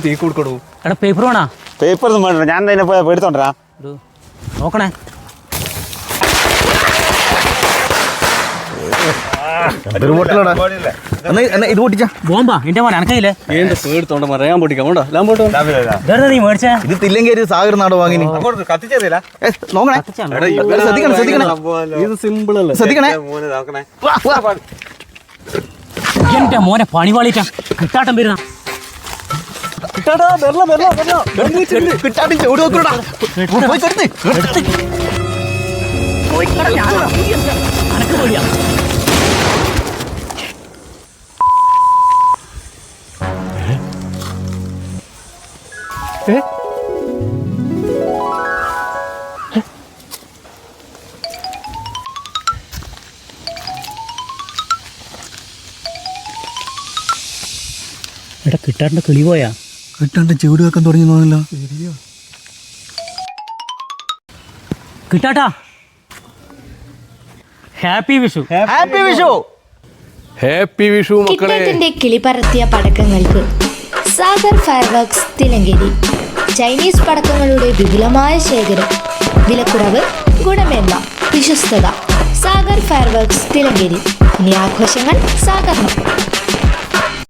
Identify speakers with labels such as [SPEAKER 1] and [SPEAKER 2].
[SPEAKER 1] തീ കൊടുക്കണു.
[SPEAKER 2] എടാ പേപ്പർ വേണോ?
[SPEAKER 3] പേപ്പർ ഒന്നും വേണ്ട, ഞാൻ തന്നെ പോയാൽ എടുത്തോണ്ടാ.
[SPEAKER 2] നോക്കണേ.
[SPEAKER 1] ഇത് പൊട്ടിച്ചാ
[SPEAKER 2] ബോംബാ എന്റെ മോനെ അനക്കയില്ലേ?
[SPEAKER 1] പേടിത്തോണ്ട ഞാൻ പൊട്ടിക്കാം.
[SPEAKER 2] നീ മേടിച്ചേ
[SPEAKER 1] ഇത് തില്ലങ്കേരി സാഗർ നാട് വാങ്ങി
[SPEAKER 3] കത്തിച്ചേരില്ല.
[SPEAKER 1] നോക്കണേ, ശ്രദ്ധിക്കണം ശ്രദ്ധിക്കണേ,
[SPEAKER 3] ഇത് സിമ്പിൾ അല്ലേ?
[SPEAKER 1] ശ്രദ്ധിക്കണേ.
[SPEAKER 2] എന്റെ മോനെ പണിവാളിട്ടാ കിട്ടാട്ടം വരുന്ന
[SPEAKER 1] കിട്ടാട്ടി ചൂട് നോക്കൂടാ.
[SPEAKER 2] അനക്ക് പേടിയാ. എടാ കിട്ടാറിന്റെ കിളി പോയാ?
[SPEAKER 1] കിട്ടാണ്ട് ചൂട് വെക്കാൻ തുടങ്ങി തോന്നില്ല.
[SPEAKER 2] കിട്ടാട്ടാ happy Vishu.
[SPEAKER 1] Happy Vishu.
[SPEAKER 4] Happy Vishu മക്കളെ.
[SPEAKER 5] കിട്ടേറ്റിന്റെ കിളിപറത്തിയ പടക്കങ്ങൾക്ക് സാഗർ ഫയർവർക്സ് തിലങ്കേരി. ചൈനീസ് പടക്കങ്ങളുടെ വിപുലമായ ശേഖരം, വിലക്കുറവ്, ഗുണമേന്മ, വിശ്വസ്തത. സാഗർ ഫയർവർക്സ് തിലങ്കേരി. ഇനി ആഘോഷങ്ങൾ സാഗറിനും.